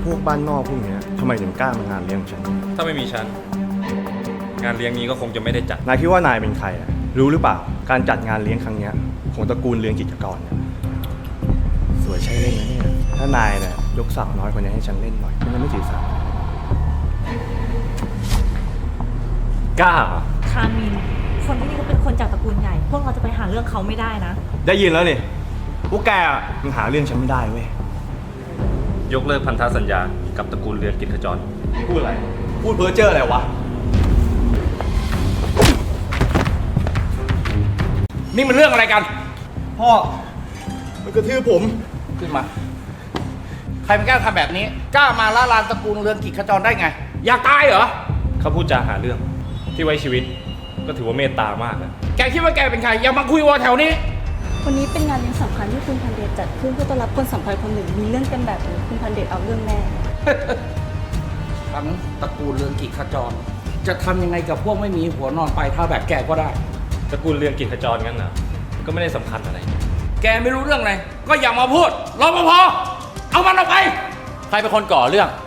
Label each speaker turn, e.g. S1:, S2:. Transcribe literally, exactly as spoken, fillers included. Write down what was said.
S1: พวกบ้านนอกพวกเนี้ยทำไมถึงกล้ามางานเลี้ยงฉัน
S2: ถ้าไม่มีฉันงานเลี้ยงนี้ก็คงจะไม่ได้จัด
S1: นายคิดว่านายเป็นใครอะรู้หรือเปล่าการจัดงานเลี้ยงครั้งเนี้ยของตระกูลเลี้ยงกิจกรเนี่ยสวยใช่เล่นนะเนี่ยถ้านายเนี่ยยกสาวน้อยคนนี้ให้ฉันเล่นหน่อยมันไม่ถือสา
S2: กล้าเหรอ
S3: คามิน คนที่นี่ก็เป็นคนจากตระกูลใหญ่ พวกเราจะไปหาเรื่องเขาไม่ได้นะ
S1: ได้ยินแล้วนี่พวกแกอะมันหาเรื่องฉันไม่ได้เว้ย
S2: ยกเลิกพันธสัญญากับตระกูลเรือนกิจขจร
S1: พูดอะไรพูดเพ้อเจ้ออะไรวะ
S4: นี่มันเรื่องอะไรกัน
S1: พ่อมันกระทืบผม
S4: ขึ้นมา ใครมันกล้าทำแบบนี้ กล้ามาล่าลานตระกูลเรืองกิจขจรได้ไง อยากตายเหรอ
S2: เขาพูดจาหาเรื่องที่ไว้ชีวิต ก็ถือว่าเมตตามากนะ
S4: แกคิดว่าแกเป็นใคร อย่ามาคุยวอแถวนี้
S5: วันนี้เป็นงานเลี้ยงสำคัญที่คุณพันเดชจัดขึ้นเพื่อต้อนรับคนสำคัญคนหนึ่งมีเรื่องกันแบบนี้คุณพันเดชเอาเรื่องแน่
S4: ทั้งตระกูลเรืองกิจขจร จะทำยังไงกับพวกไม่มีหัวนอนปลายเท้าแบบแกก็ได้
S2: ตระกูลเรือนกิจขจรงั้นนะก็ไม่ได้สำคัญอะไร
S4: แกไม่รู้เรื่องอะไรก็อย่ามาพูดรปภเอามันออกไป
S6: ใครเป็นคนก่อเรื่อง